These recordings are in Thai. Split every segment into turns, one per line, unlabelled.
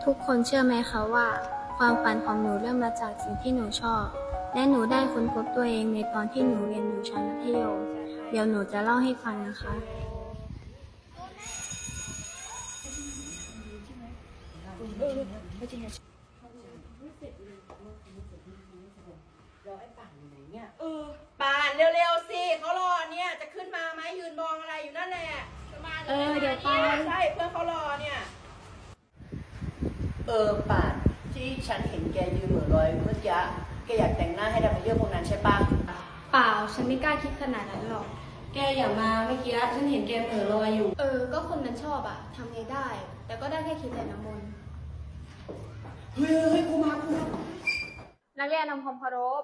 ทุกคนเชื่อไหมคะว่าความฝันของหนูเริ่มมาจากสิ่งที่หนูชอบและหนูได้ค้นพบตัวเองในตอนที่หนูเรียนอยู่ชั้นมัธยมเดี๋ยวหนูจะเล่าให้ฟังนะคะ
ป่านเร็วๆสิเขารอเนี่ยจะขึ้นมาไหมยืนมองอะไรอยู่นั่นแหละ
เดี๋ยวไป
ใช่เพื่อนเขารอเนี่ยป่านที่ฉันเห็นแกยืนเหม่อลอยเมื่อกี้แกอยากแต่งหน้าให้ดำไปเรื่องพวกนั้นใช่ปะ
เปล่าฉันไม่กล้าคิดขนาดนั้นหรอก
แกอย่ามาเมื่อกี้ฉันเห็นแกเหม่อลอยอยู่
ก็คนนั้นชอบอะทำไงได้ แต่ก็ได้แค่คิดแต่น้ำมนต์
เฮ้ยกูมา
นักเรียนนำความเคารพ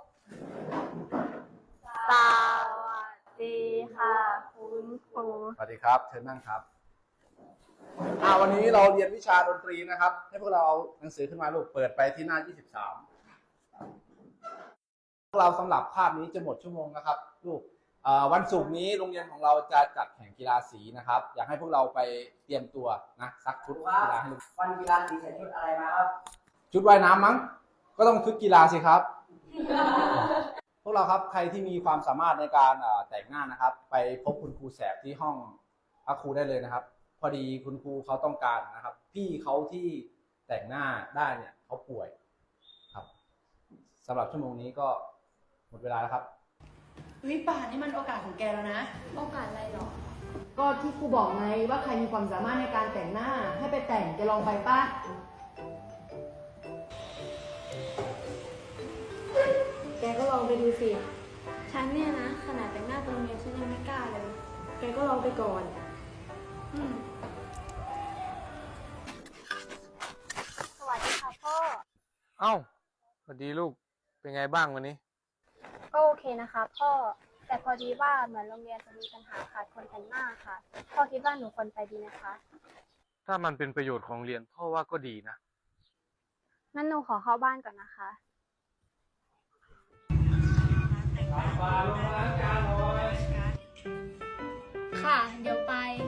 สวัสดีค่ะคุณครู
สวัสดีครับเชิญนั่งครับวันนี้เราเรียนวิชาดนตรีนะครับให้พวกเราเอาหนังสือขึ้นมาลูกเปิดไปที่หน้า 23พวกเราสำหรับคาบนี้จะหมดชั่วโมงนะครับลูกวันศุกร์นี้โรงเรียนของเราจะจัดแข่งกีฬาสีนะครับอยากให้พวกเราไปเตรียมตัวนะซักชุดกีฬาให้ลูก
วันกีฬาสีใส่ชุดอะไรมาครับ
ชุดว่ายน้ำมั้งก็ต้องชุดกีฬาสิครับ พวกเราครับใครที่มีความสามารถในการแต่งหน้านะครับ ไปพบคุณครูแสบที่ห้องพักครูได้เลยนะครับ พอดีคุณครูเขาต้องการนะครับ พี่เขาที่แต่งหน้าได้เนี่ยเขาป่วยครับสำหรับชั่วโมงนี้ก็หมดเวลาแล้วครับ
ป่านนี่มันโอกาสของแกแล้วนะ
โอกาสอะไรหรอ
ก็ที่ครูบอกไงว่าใครมีความสามารถในการแต่งหน้าให้ไปแต่งจะลองไปป่ะแกก็ลองไปดูสิ
ฉันเนี่ยนะขนาดแต่งหน้าตรงเรียนฉันยังไม่กล้าเลย
แกก็ลองไปก่อน
สวัสดีค่ะพ่อ
เอ้าสวัสดีลูก เป็นไงบ้างวันนี้
ก็โอเคนะคะพ่อ แต่พอดีว่าเหมือนโรงเรียนจะมีปัญหาขาดคนแต่งหน้าค่ะ พ่อคิดว่าหนูควรไปดีไหมคะ
ถ้ามันเป็นประโยชน์ของเรียนพ่อว่าก็ดีนะ
งั้นหนูขอเข้าบ้านก่อนนะคะ ค่ะ เดี๋ยวไป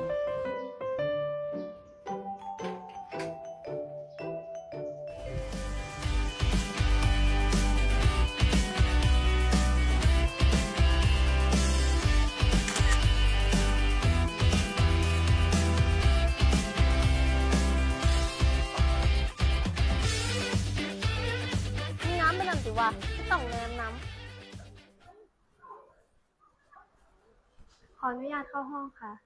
มีน้ำเป็นน้ำสิวะไม่ต้องเลยน้ำขออนุญาตเข้าห้องค่ะ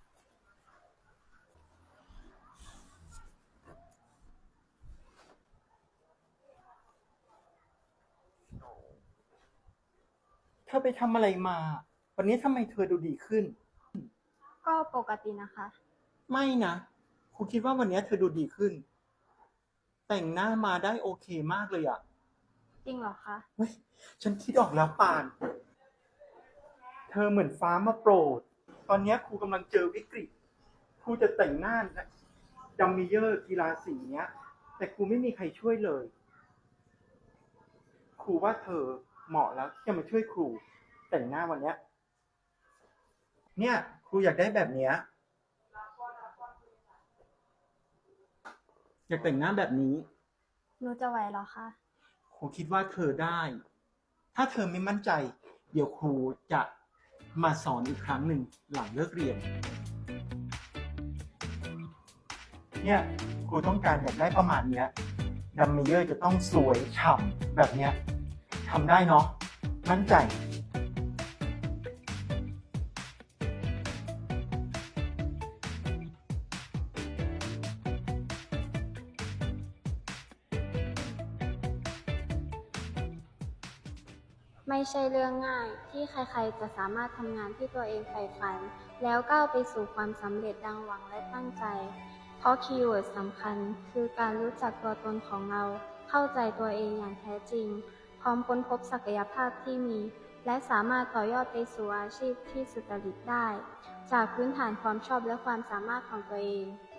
เธอไปทำอะไรมา วันนี้ทำไมเธอดูดีขึ้น
ก็ปกตินะคะ
ไม่นะครูคิดว่าวันนี้เธอดูดีขึ้น แต่งหน้ามาได้โอเคมากเลยอะ
จริงเหรอคะ
เฮ้ยฉันคิดออกแล้วปาน เธอเหมือนฟ้ามาโปรด ตอนนี้ครูกำลังเจอวิกฤต ครูจะแต่งหน้าดัมมิเยอร์กีฬาสีเนี้ย แต่ครูไม่มีใครช่วยเลย ครูว่าเธอเหมาะแล้วที่จะมาช่วยครูแต่งหน้าวันเนี้ย เนี่ยครูอยากได้แบบเนี้ย อยากแต่งหน้าแบบนี้
หนูจะไหวเหรอคะ
ครูคิดว่าเธอได้ ถ้าเธอไม่มั่นใจ เดี๋ยวครูจะมาสอนอีกครั้งหนึ่งหลังเลิกเรียน เนี่ยครูต้องการอยากได้ประมาณเนี้ยดัมเมเยอร์จะต้องสวยฉ่ำแบบเนี้ยทำได้เนาะ มั่นใจ
ไม่ใช่เรื่องง่ายที่ใครๆจะสามารถทำงานที่ตัวเองใฝ่ฝัน แล้วก้าวไปสู่ความสำเร็จดังหวังและตั้งใจ เพราะคีย์เวิร์ดสำคัญคือการรู้จักตัวตนของเรา เข้าใจตัวเองอย่างแท้จริง พร้อมค้นพบศักยภาพที่มี และสามารถต่อยอดไปสู่อาชีพที่สุจริตได้ จากพื้นฐานความชอบและความสามารถของตัวเอง